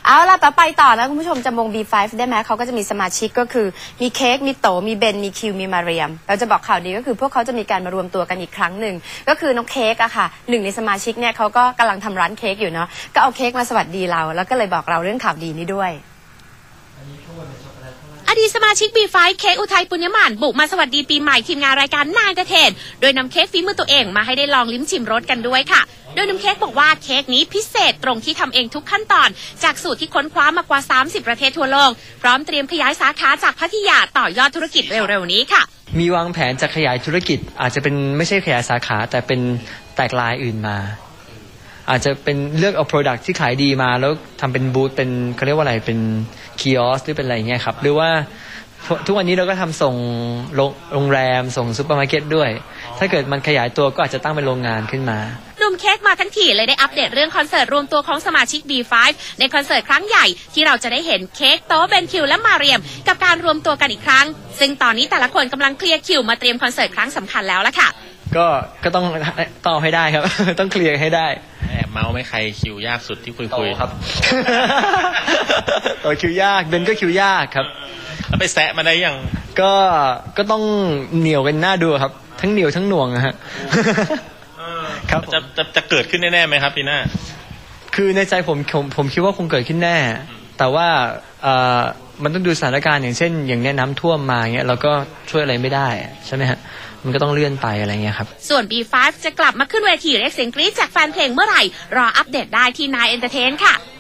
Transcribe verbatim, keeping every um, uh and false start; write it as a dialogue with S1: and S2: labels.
S1: เอาล่ะต่อไปต่อนะคุณผู้ชมจำวง บี ไฟว์ ได้ไหมเขาก็จะมีสมาชิกก็คือมีเค้กมีโตมีเบนมีคิวมีมาเรียมเราจะบอกข่าวดีก็คือพวกเขาจะมีการมารวมตัวกันอีกครั้งหนึ่งก็คือน้องเค้กอะค่ะหนึ่งในสมาชิกเนี่ยเขาก็กำลังทำร้านเค้กอยู่เนาะก็เอาเค้กมาสวัสดีเราแล้วก็เลยบอกเราเรื่องข่าวดีนี้ด้วย
S2: อดีตสมาชิก บี ไฟว์ เค้กอุทัยปุญญมานบุกมาสวัสดีปีใหม่ทีมงานรายการนายเดอะเทนโดยนำเค้กฝีมือตัวเองมาให้ได้ลองลิ้มชิมรสกันด้วยค่ะโดยนำเค้กบอกว่าเค้กนี้พิเศษตรงที่ทำเองทุกขั้นตอนจากสูตรที่ค้นคว้ามากว่าสามสิบประเทศทั่วโลกพร้อมเตรียมขยายสาขาจากพัทยาต่อยอดธุรกิจเร็วๆนี้ค่ะ
S3: มีวางแผนจะขยายธุรกิจอาจจะเป็นไม่ใช่ขยายสาขาแต่เป็นแตกลายอื่นมาอาจจะเป็นเลือกเอา product ที่ขายดีมาแล้วทำเป็นบูธเป็นเขาเรียกว่าอะไรเป็นคีออสหรือเป็นอะไรเงี้ยครับหรือว่าทุกวันนี้เราก็ทำส่งโรงแรมส่งซูเปอร์มาร์เก็ตด้วยถ้าเกิดมันขยายตัวก็อาจจะตั้งเป็นโรงงานขึ้นมา
S2: หนุ่มเค้กมาทั้งทีเลยได้อัปเดตเรื่องคอนเสิร์ตรวมตัวของสมาชิก บี ไฟว์ ในคอนเสิร์ตครั้งใหญ่ที่เราจะได้เห็นเค้กโตเบนคิวและมาเรียมกับการรวมตัวกันอีกครั้งซึ่งตอนนี้แต่ละคนกำลังเคลียร์คิวมาเตรียมคอนเสิร์ตครั้งสำคัญแล้วล่ะค่ะ
S3: ก็ก็ต้องต่อให้ได้ครับต้องเคลียร์ให้ได้
S4: แอบเมาไม่ใครคิวยากสุดที่คุยคุย
S3: ครับต่อคิวยากเบนก็คิวยากครับ
S4: แล้วไปแซะมาได้ยัง
S3: ก็ก็ต้องเหนียวกันหน้าดูครับทั้งเหนียวทั้งหน่วงนะฮะ
S4: ครับจะจะจะเกิดขึ้นแน่ๆไหมครับปีหน้า
S3: คือในใจผมผมผมคิดว่าคงเกิดขึ้นแน่แต่ว่าเอ่อมันต้องดูสถานการณ์อย่างเช่นอย่างนี้น้ำท่วมมาเงี้ยเราก็ช่วยอะไรไม่ได้ใช่ไหมฮะมันก็ต้องเลื่อนไปอะไรเงี้ยครับ
S2: ส่วน บี ไฟว์ จะกลับมาขึ้นเวทีเรียกเสียงกรี๊ดจากแฟนเพลงเมื่อไหร่รออัปเดตได้ที่นายเอนเตอร์เทนค่ะ